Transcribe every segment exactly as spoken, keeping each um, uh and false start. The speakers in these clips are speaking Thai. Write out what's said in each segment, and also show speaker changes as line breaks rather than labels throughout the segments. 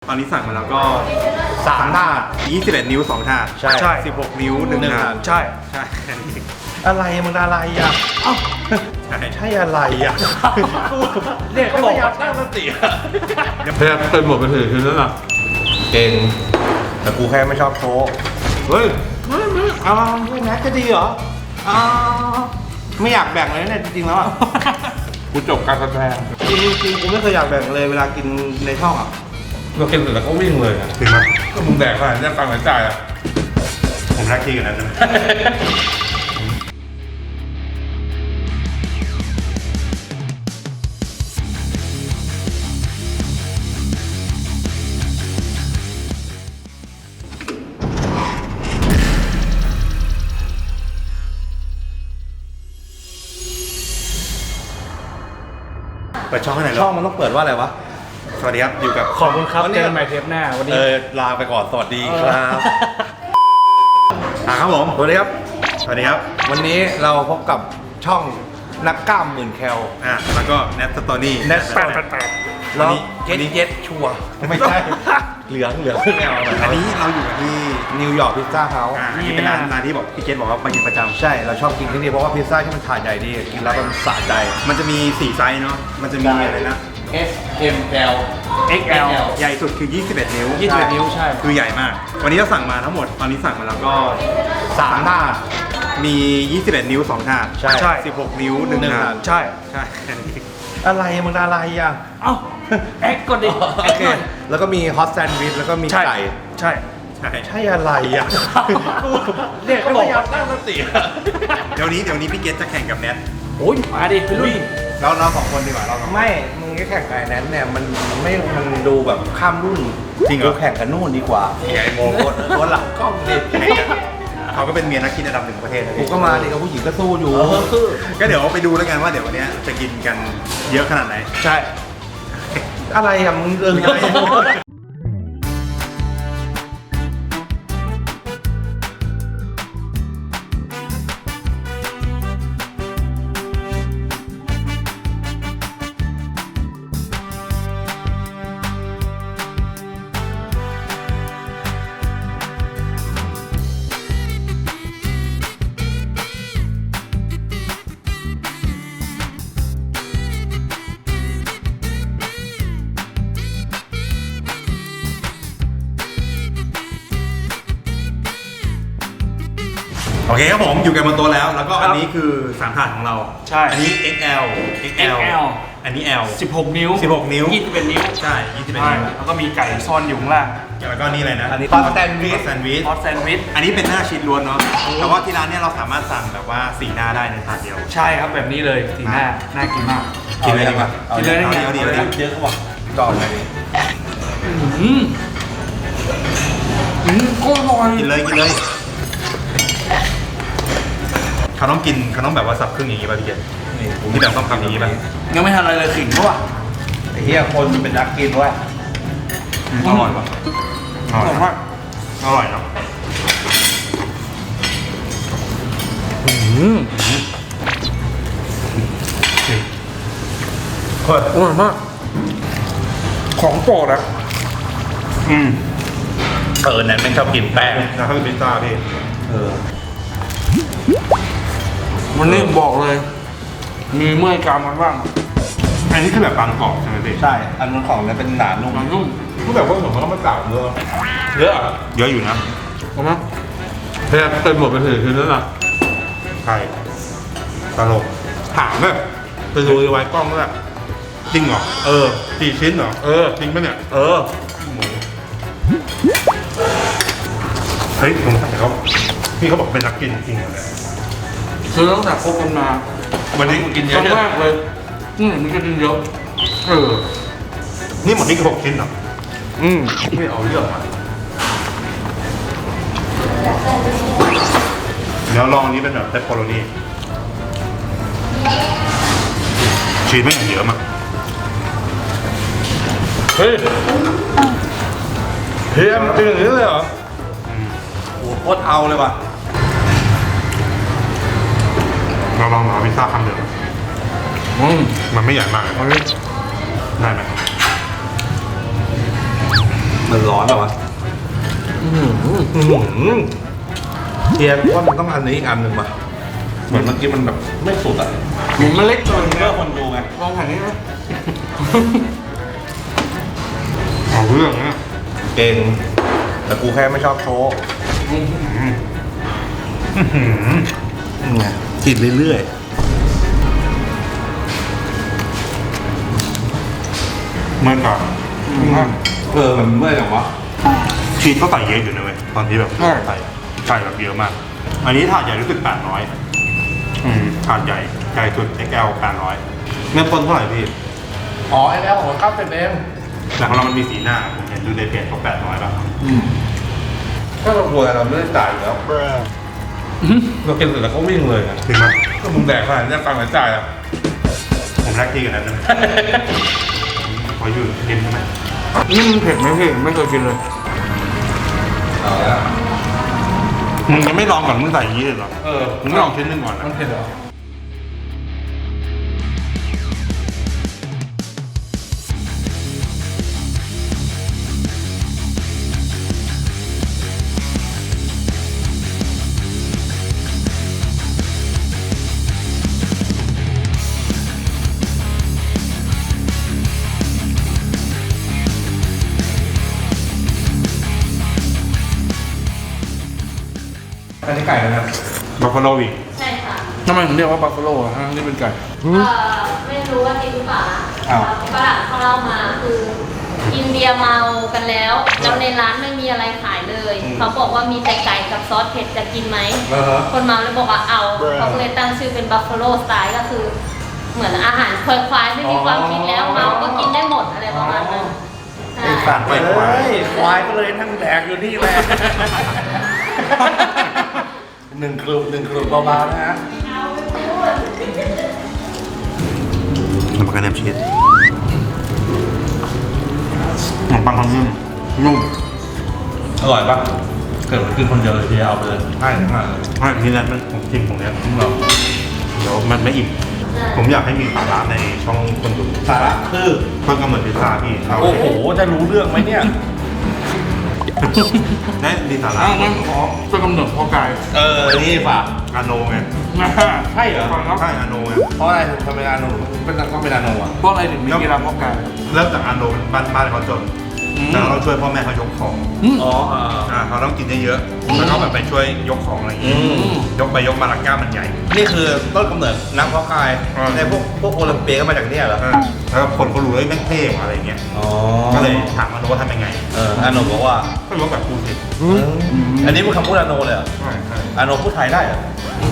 ตอนนี้สั่งมาแล้วก็
สามถาด
ยี่สิบเอ็ดนิ้วสองถาด
ใช่ใช่
สิบหกนิ้วหนึ่งถาด
ใช่
ใช่
อะไรมึงอะไรอ่ะเอ้าใช่ใช่อะไรอ่ะเนี่ยเขาบอกว่าตั้งสติ
แทบเป็นหมดไปถึงคืนแล้วนะ
เก่งแต่กูแค่ไม่ชอบโชว์เฮ้ยไม่ไม่เอาไม่แม็กจะดีเหรออ่าไม่อยากแบ่งเลยเนี่ยจริงๆแล้วอ่ะ
กูจบการแสดง
จริงจริงกูไม่เคยอยากแบ่งเลยเวลากินในช่องอ่ะ
เรากินเสร็จแล้วก็วิ่งเลย
ถึงไหม
ก็มึงแดกขนาดนี้ฟังหายใจอ่ะ
ผมรักที่กันนั้นนะเปิดช่องให้ไหน
ช่องมันต้องเปิดว่าอะไรวะ
สวัสดีครับอยู่กับ
ขอบคุณครับเจอกันใหม่เทปหน้าวันนี้
เออลาไปก่อนสวัสดีครับ
ครับผม
สวัสดีครับ
สวัสดีครับ
วันนี้เราพบกับช่องนักกล้ามหมื่นแคล
อ่ะแล้วก็แนทสตอรี่
แนทแปดแปดแปดแล้วเจ็ดเจ็ดชัวไม่ใช่เหลืองเหลืองแนว
อันนี้เราอยู่กันที่
นิวยอร์กพิซซ่าเฮาส์
อันนี้เป็นร้านร้านที่บอกพี่เกตบอกว่ามากินประจำ
ใช่เราชอบกินที่นี่เพราะว่าพิซซ่าที่มันถาดใหญ่ดีกินแล้วมันสะใจ
มันจะมีสี่ไซส์เนาะมันจะมีอะไรนะ
S M L
เอ็กซ์ แอล ใหญ่สุดคือยี่สิบเอ็ดนิ้ว
ยี่สิบเอ็ดนิ้วใช่
คือใหญ่มากวันนี้เราสั่งมาทั้งหมดตอนนี้สั่งมาแล้วก็
สามถาด
มียี่สิบเอ็ดนิ้วสองถาด
ใช่
ใช่สิบหกนิ้วหนึ่งถาด
ใช่
ใช่
อะไรมึงอะไรอ่ะ
เอ้าแอ็กก่อนดิ
โอเคแล้วก็มีฮอตแซนด์วิชแล้วก็มีไก่
ใช่ใช่
ใช่อะไรอ่ะ
เนี่ยเขาบอกว่าตั้งสติ
เดี๋ยวนี้เดี๋ยวนี้พี่เกตจะแข่งกับแนท
โอ้ยมาดิเป็นรุ่น
เราเราสองคนดีกว่าเราสอง
ไม่มึงแข่งกับแนทเนี่ยมันไม่มันดูแบบข้ามรุ่น
จริงเหรอ
แข่งกับนู่นดีกว่า
ไอ้โม
ตัวหลังกล้องดิ
เขาก็เป็นเมียนักกินระดับหนึ่งของประเทศ
กูก็มาดิกับผู้หญิงก็สู้อยู่
ก็เดี๋ยวไปดูแล้วกันว่าเดี๋ยววันนี้จะกินกันเยอะขนาดไหน
ใช่อะไรอ่ะมึงเออ
โอเคครับผมอยู่กันบนโต๊ะแล้วแล้วก็อันนี้คือสามถาดของเรา
ใช่
อันนี้ เอ็กซ์ แอล เอ็กซ์ แอล อันนี้ L
สิบหกนิ้ว
สิบหกนิ้ว
ยี่สิบเอ็ดนิ้ว
ใช่ยี่สิบเอ็ดนิ้ว
แล้วก็มีไก่ซ่อนอยู่ข้างล่าง
แล้วก็นี่อะไรนะ
อันนี้ฮอตแซนด์วิช
แซนด์วิช
ฮอตแซนด์วิช
อันนี้เป็นหน้าชีสล้วนเนาะแต่ว่าที่ร้านเนี่ยเราสามารถสั่งแบบว่าสี่หน้าได้ในถาดเดียว
ใช่ครับแบบนี้เลยสีหน้าน่ากินมาก
กินเลยดีกว่า
กินเลย
เอาดีเอาดีเอาดี
เยอะเขาบอกจอดเลย
อืมอืมโคตรอร่อย
กินเลยกินเลยเขาต้องกินเขาต้องแบบว่าสับครึ่งอย่างนี้ป่ะพี่เกศที่แบบต้องทำอย่างนี้ป่ะ
ยังไม่ทันอะไรเลยขิงเขาอ่ะ
ไอ้เหี้ยคนเป็นนักกินวะ
อร่อยป่ะอร่อยมากอร่อยเนาะ
อืม
เฮ้ยอร่อยมากของโปรดอ่ะอืม
เออนั้นไม่ชอบกินแป้ง
นะเขาเป็นพิซซ่าพี่
เออ
วันนี้บอกเลยมีเมื่อยกรามกันบ้าง
อันนี้คือแบบบางกรอบใช่ไหมพี่
ใช่อันนั้นของนั้นเป็นหนานุ่ม
นุ่ม
ก็แบบว่าผมมันก็ไม่ต่างเยอะเยอะเยอะอยู่นะ
ถูกไหม
แทบเป็นหมดไปถึงคืนแล้วนะ
ใช่ตลกถามแบบไปดูไว้กล้องแล้วจริงเหรอ
เออ
กี่ชิ้นเหรอ
เออ
จริงปะเนี่ย
เออ
เฮ้ยผมถามเขาพี่เขาบอกเป็นนักกินจริงเหรอ
ซื้อตั้งแต่คบกันมา
วันนี้
กินเยอะมากเลยอืมมันก็กินเยอะ
เออนี่หมดนี่ก็หกชิ้นเหรอ
อืม
ไม่เอาเยอะอ่ะเดี๋ยวลองนี้เป็นแบบเปปเปอโรนี่ชีสไม่อย่างเยอะมาก
เฮ้ยเฮียมันเป็นอย่างนี้เลยเหรอ
โอ้โหโคตรเอาเลยว่ะ
เราลองหาพิซซ่าคำเดียวมันไม่ใหญ่มากได้ไหม
มันร้อนเหรอวะ
อื้อหือ
อื้อหือเทียนว่ามันต้องอันนี้อีกอันหนึ่งป่ะเหมือนเมื่อกี้มันแบบไม่สุดอ่ะ
หมูมันเล็กเกิน
เพื่อคนดูไง
ลองแผ่นนี้ไหม
เอาเรื่องนะ
เก่งแต่กูแค่ไม่ชอบโชว์ นี่ไงกินเรื่อย
เมื่อก่อน
ๆเออมันเมื่อยจังวะ
ชีสก็ใส่เยอะอยู่นะเว้ยตอนที่แบบใส่ใส่แบบเยอะมาก อันนี้ถาดใหญ่รู้สึกแปดร้อยอืมถาดใหญ่ใหญ่สุด เอ็กซ์ แอล แปดร้อยเมื่อต้นเท่าไหร่พี่
อ๋อไอ้แล้วของข้าวเป็นเอง
แต่ของเรามันมีสีหน้าผมเห็นดูในเพจเขาแปดร้อยป่ะ
ถ้าเรากลัวเราไม่ได้จ่ายอยู่แล้วเรากินเสร็จแล้วก็วิ่งเลยอะ
จริงไหม
ก็มึงแดกขนาดนี้ฟังหลายจ่ายอ่ะ
ผมแรกที่กันนั้นนะพออยู่เย็นใช่ไหม
นี่มันเผ็ดไหมพี่ไม่เคยกินเลย
เอาละ
มึงยังไม่ลองก่อนมึงใส่อย่างนี้เลยเหรอ
เออ
มึงไม่ลองชิ้นหนึงก่อนนะ
มันเผ็ดเหรอ อันนี้ไก่แล้วนะ
บัฟฟาโลวิง
ใช่ค่ะ
ทำไมถึงเรียกว่าบัฟฟาโล่อะฮะนี่เป็นไก่
เอ่อไม่รู้ว่าจริงหรือเปล่านะฝรั่งเขาเล่ามาคืออินเดียเมากันแล้ว แล้วในร้านไม่มีอะไรขายเลย เขาบอกว่ามีแต่ไก่กับซอสเผ็ดจะกินไหม
เออฮะ
คนเมาเลยบอกว่าเอา เขาก็เลยตั้งชื่อเป็นบัฟฟาโลสไตล์ก็คือ เหมือนอาหารควายๆไม่มีความคิดแล้วเมาก็กินได้หมดอะไรประมาณนั้นใช่
ไอ้สัตว์ไปควายควายก็เลยนั่งแดกอยู่นี่แหละหนึ่งกลุ่มหนึ่งกลุ่มเบาๆนะฮะ
น้ำมันกระเทียมชีสขนมปังทำนุ่มนุ่ม
อร่อยปะเกิดกินคนเดียวเลยทีเอาไปเลยใช่ทั้งนั้นเลย
ใช่ทีนั้นมันผมชิมตรงเนี้ยเราเดี๋ยวมันไม่อิ่ม ผมอยากให้มีสาระในช่องคนดู
สาระคือ
เพิ่งกำเนิดพิซซ่าพี่เรา
โอ้โห จะรู้เรื่องไหมเนี่ย
ได้มีสาระ
อ้าวงั้นขอเป็นกำเนิดพ่อกาย
เออ นี่ฝาก
อาโนไง
นะ
ใช่เหรอ
ฟังครับ
ใช่อาโนไง
เพราะอะไรถึงทำเป็นอาโนเป็นต้องเป็นอาโนอ่ะ
เพราะอะไรถึงมีกีฬาพ่อกาย
เริ่มจากอาโนบ้านบ้านเขาจน
อืม
แล้วเราช่วยพ่อแม่เขายกของ
อ๋ออ่า
อ่าเขาต้องกินเยอะๆแล้วก็แบบไปช่วยยกของอะไรอย่าง
อื
งี้
ม
ยกไปยกมาลักก้ามันใหญ่
นี่คือต้นกำเนิดนักเพาะกาย
อ่า
ในพวกพวกโอลิมเปียก็มาจากเนี่ยเหรอ
อ่าแล้วก็คนเขารู้เลยแม่งเท่ว่ะอะไรเงี้ย
อ๋อ
ก็เลยถามอาโนว่าทำยังไง
เอออาโนบอกว่า
ก็ยกแบบกูสิ
อันนี้เป็นคำพูดอาโนเลยเหรอ
ใช่ใช่
อาโนพูดไทยได้เหรอ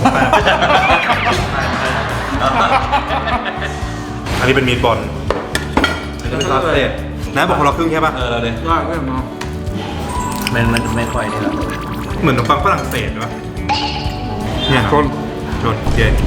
อันนี้เป็นมีดบอล
อันนี้เป็นซอสเศษ
นะบอกคนละครึ่งใช่ป่ะ
เออเลย
ได้ไม่เนาะ
มันมันไม่ค่อยนี่แหละ
เหมือนขนมปังฝรั่งเศสป่ะเนี่ย
ชน
ชนเจน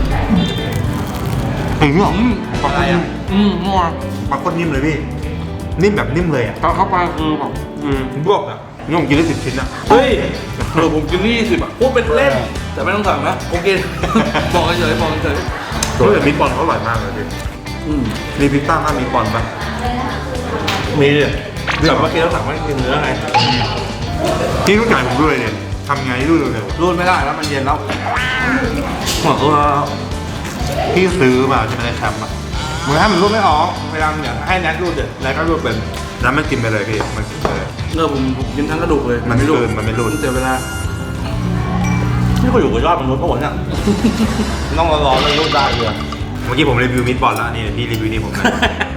ถึงหรอ
อืม
อะไรอ่ะ
อืมมั่ว
ปลาโคตรนิ่มเลยพี่ นิ่มแบบนิ่มเลยอ่ะ
ตอนเข้าไปคือแบบอืม
บวกอ่ะนี่ผมกินได้สิบชิ้นอ่ะ
เฮ้ยเออผมกินนี่สิบอ่ะพูดเป็นเล่น แต่ไม่ต้องสั่งนะผมกิน บอกเฉยๆบอกเฉย
เฮ้ยแต่มีดบอลเขาอร่อยมากเลยพี่
ๆอืม
มีพิซซ่าหน้ามีดบอลป่ะ
มีดิแต่เมื่อกี้เราสั่งไม่กินเนื้อไง
พี่รู้จักผมด้วยเนี่ยทำไงรู้เร็ว
รูดไม่ได้แล้วมันเย็นแล้วหมดตัว
ๆพี่ซื้อมาใช่ไหมในแคมป์อ่ะ
มึงให้มันรูดไม่ออกพยายามอย่างให้แนทรูดเดี๋ยวแนทก็รูดเป็น
แล้วมันกินไปเลยพี่มันกินไปเลย
เออผมผมกินทั้งกระดูกเลย
มันไม่รูดมันไม่รูด
เสียเวลา
นี่ก็อยู่กับยอดมนุษย์ปะวะเนี่ยต้องรอๆแล้วรูดได้เลย
เมื่อกี้ผมรีวิวมีดบอลแล้วนี่พี่รีวิวนี่ผมนะ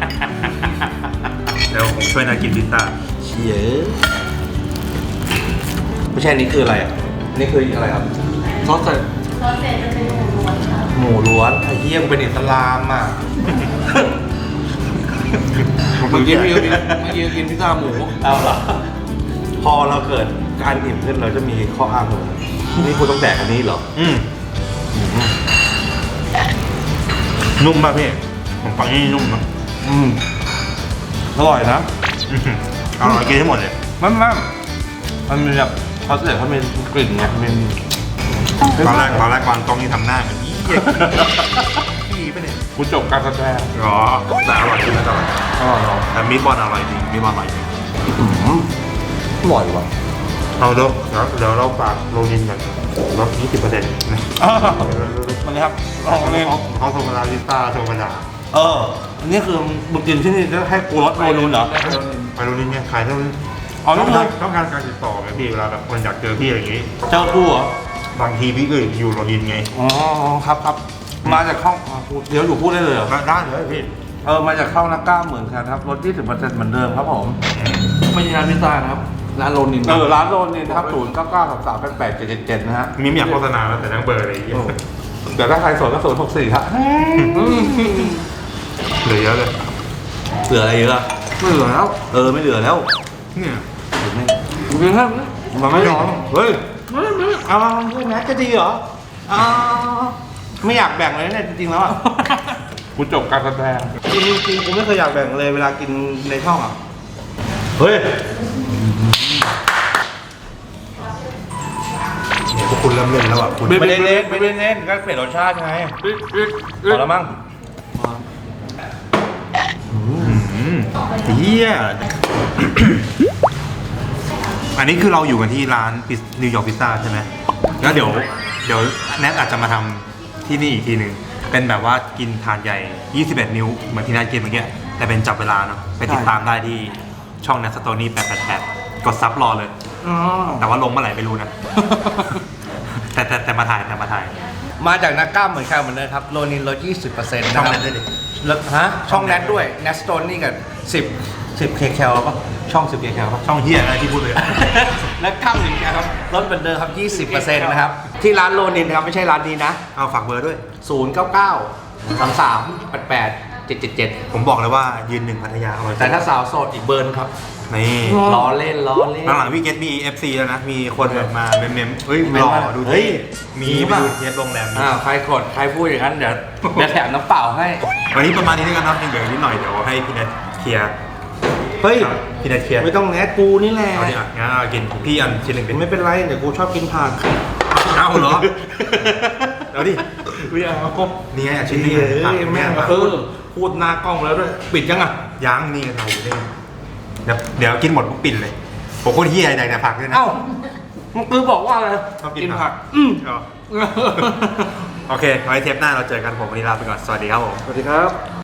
เดี๋ยวผมช่วยนากินพิซซ่า
เชี่ยไม่ใช่นี่คืออะไรอ่ะนี่คืออะไรครับ
ซอสใส่
ซอสเสร็จจะเป็นหมูล้วนค่ะ
หมูล้วนไอ้เหี้ยมึงเป็นอิสลามอ่ะ
เมื่อกี้พี่ก็กินเมื่อกี้ก็กินพิซซ่าหมู
เอาเหรอพอเราเกิดการอิ่มขึ้นเราจะมีข้ออ้างเลยนี่คุณต้องแดกอันนี้เหรอ
อืมนุ่มป่ะพี่ผมฟังนี่นุ่มนะ
อืมอร่อยนะ
อื้อหืออร่อยกินให้หมดเลย
มันมันมันมีแบบเขาเสียเขามีกลิ่นไงมัน
ตอนแรกตอนแรกวางกล้องนี่ทำหน้าเหมือนยี่เหี้ยพี่ไปเนี่ย
คุณจบการแสดง
อ๋อแต่อร่อยจริงนะอร่อย
อร่อยเหรอ
แต่มีดบอลอร่อยจริงมีดบอลอร่อยจริง
อร่อยว่ะ
เอาเดี๋ยวเดี๋ยวเดี๋ยวเราฝากโรนินกันลดยี่สิบเปอร์เซ็นต์นะ
มันนี้ครับลองเลย
เขาเขาโทรมาลาลิซ่าโทรมาด่า
เอออันนี้คือมึงกินที่นี่จะให้กูรสโรนูนเหรอ
ไปโรนินเนี่ยขายเท่านั้น
อ๋อนี่
ต้อง
คื
การ
อ
ต้องการการติดต่อไงพี่เวลาแบบคนอยากเจอพี่อะไรอย่างงี้
เจ้ากูเหรอบ
างทีพี่ก็อยู่โรนินไง
อ๋อครับครับมาจากห้องอ่ะพูดเดี๋ยวอยู่พูดได้เลยเหรอ
ก็ได้เลยพี่
เออมาจากข้าวนักกล้าเหมือนกันครับลดยี่สิบเปอร์เซ็นต์เหมือนเดิมครับผม
ไม่ใช่ร้านพิซซ่านะครับร้านโรนิน
เออร้านโรนินครับศูนย์เก้าเก้าสามสามแปดแปดเจ็ดเจ็ดเจ็ดนะฮะ
มีไม่อยากโฆษณาแล้วแต่ทั้งเบอร์อะไรอย่างเงี้ย
เดี๋ยวถ้าใครสนก็ศูนย์หกสี่ครับ
เหลือเยอะเลย
เหลืออะไรเยอะ
ไม่เหลือแล้ว
เออไม่เหลือแล้ว
เนี่ย
กูกินแค่นี้
มันไม่ยอมเฮ้ยเอามาเพื่อนแม็กจะดีเหรออ้าวไม่อยากแบ่งเลยเนี่ยจริงๆแล้วอ่ะ
กูจบการแสดง
จริงจริงๆกูไม่เคยอยากแบ่งเลยเวลากินในช่องอ่ะเฮ้ย
เนี่ยพวกคุณเริ่มเล่นแล้วอ่ะคุณ
ไม่ได้เล่นไม่ได้เล่นก็เปลี่ยนรสชาติไงพอแล้วมั้ง
อืมเฮียอันนี้คือเราอยู่กันที่ร้านนิวยอร์กพิซซ่าใช่ไหมแล้วเดี๋ยวเดี๋ยวแนทอาจจะมาทำที่นี่อีกทีหนึ่งเป็นแบบว่ากินถาดใหญ่ ยี่สิบเอ็ด นิ้ว เหมือนที่แนทกินเมื่อกี้แต่เป็นจับเวลาเนาะไปติดตามได้ที่ช่องแนทสโตนี่แปดแปดแปดกดซับรอเลย
อ๋อ
แต่ว่าลงเมื่อไหร่ไม่รู้นะ แต่แต่แต่มาถ่ายแต่มาถ่าย
มาจากนักกล้ามเหมือนกันเหมือนเดิมครับโรนินลดยี่สิบเปอร์เซ็นต์
ช่
นะ
อง
ครับ
แนทด้วยดิ
แล้วฮะช่องแนทด้วยแนทสโตนนี่กับสิบสิบเคแคลป่ะช่องสิบเคแคลป่ะ
ช่องเฮียอะไรที่พูดเลย
นักกล้ามเหมือนกันครับลดเหมือนเดิมครับยี่สิบเปอร์เซ็นต์นะครับที่ร้านโรนินครับไม่ใช่ร้านนี้นะ
เอาฝากเบอร์ด้วย
ศูนย์เก้าเก้าสามสามแปดแปดเจ็ดเจ็ดเจ็ด
ผมบอกเลยว่ายืนหนึ่งพัทยาอร่อย
แต่ถ้าสาวโสดอีกเบอร์นครับ
นี่
ล้อเล่นล้อเล่น
หลังๆพี่เกตมี เอฟ ซี แล้วนะ มีคนแบบมาเมมเมมเฮ้ย
เมม
รอ
มา
ดู
เฮ้
ที่
ย
มี
มี
ไป
ป่ะ
ดูเทปโรงแรมนี้
อ่าใครกดใครพูดอย่างนั้นเดี๋ยวเดี๋ยวแถมน้ำเปล่าให้
วันนี้ประมาณนี้แล้วกันเนาะยังเหลือนิดหน่อยเดี๋ยวให้พี่เนทเคลียร์
เฮ้ย
ครับพี่เนทเคลียร์
ไม่ต้องแนทกูนี่แหละ
เอาดิอ่ะงั้นเอากินพี่อันชิ้นหนึ่งดิ
ไม่เป็นไรเดี๋ยวกูชอบกินผัก
เอาเหรอเอาดิ
ไม่เอาก็
นี่ไงอ่ะชิ้นหนึง
เฮ้
อ่ะ
ยแม่ง
อ่ะ
เออพูดหน้ากล้องแล้วด้วยปิดยังอ่ะ
ยังนี่ไงถ่ายอยู่นี่เดี๋ยวเดี๋ยวกินหมดปุ๊บปิดเลยผมโคตรเฮียอะไรแต่ผักด้วยนะ
เอ้ามึงคือบอกว่าอะไร
ชอบกิน
กิน
ผั
ผั
ก
กอืม
อ๋อโอเคไว้เทปหน้าเราเจอกันผมวันนี้ลาไปก่อนสวัสดีครับผม
สวัสดีครับ